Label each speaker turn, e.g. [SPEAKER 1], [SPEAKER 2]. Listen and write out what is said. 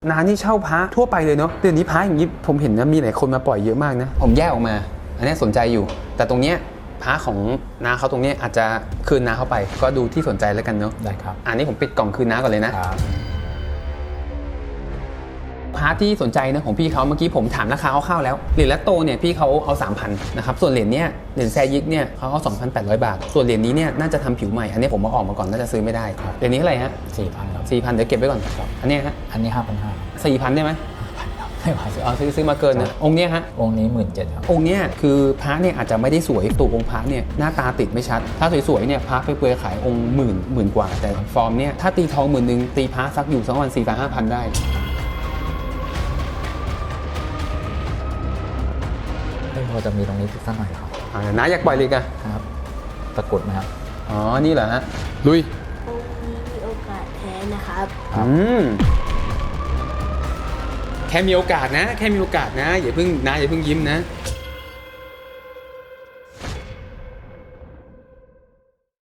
[SPEAKER 1] น้านี่เช่าพระทั่วไปเลยเนาะเดี๋ยวนี้พระอย่างนี้ผมเห็นนะมีหลายคนมาปล่อยเยอะมากนะผมแยกออกมาอันนี้สนใจอยู่แต่ตรงเนี้ยพระของน้าเขาตรงนี้อาจจะคืนน้าเข้าไปก็ดูที่สนใจแล้วกันเนาะ
[SPEAKER 2] ได้ครับ
[SPEAKER 1] อันนี้ผมปิดกล่องคืนน้าก่อนเลยนะครับ พระที่สนใจนะของพี่เขาเมื่อกี้ผมถามราคาคร่าวๆแล้วเหรียญละโตเนี่ยพี่เขาเอา 3,000 นะครับส่วนเหรียญเนี้ยเหรียญแซยิกเนี่ยเขาเอา 2,800 บาทส่วนเหรียญนี้เนี่ยน่าจะทำผิวใหม่อันนี้ผมมาออกมาก่อนน่าจะซื้อไม่ได้เหรียญนี้เท่าไหร่ฮะ
[SPEAKER 2] 4,000 ครับ
[SPEAKER 1] 4,000เดี๋ยวเก็บไว้ก่อนอันเนี้ยฮะ
[SPEAKER 2] อันนี้ 5,500
[SPEAKER 1] 4,000ได้ไหม
[SPEAKER 2] ครับไม่ไหว
[SPEAKER 1] เอาซื้อมาเกินนะองค์เนี้ยฮะ
[SPEAKER 2] องค์นี้ 17,000 ครับ
[SPEAKER 1] องค์เนี้ยคือพระเนี่ยอาจจะไม่ได้สวยตัวองค์พระเนี่ยหน้าตาติดไม่ชัดถ้าสวยๆเนี่ยพระไปเปลือยขายองค์หมื่นกว่าแต่ฟอร์มเนี่ยถ้าตีทอง10,000ตีพระสักอยู่สักวัน 4,000-5,000 ได้
[SPEAKER 2] พอจะมีตรงนี้สักหน่อยครับ
[SPEAKER 1] น้าอยากปล่อยเลยกัน
[SPEAKER 2] ครับตะกรุดไหมครับ
[SPEAKER 1] อ๋อนี่เหรอฮะลุย
[SPEAKER 3] องค์นี้มีโอกาสแท้นะครับ
[SPEAKER 1] แค่มีโอกาสนะแค่มีโอกาสนะอย่าเพิ่งยิ้มนะ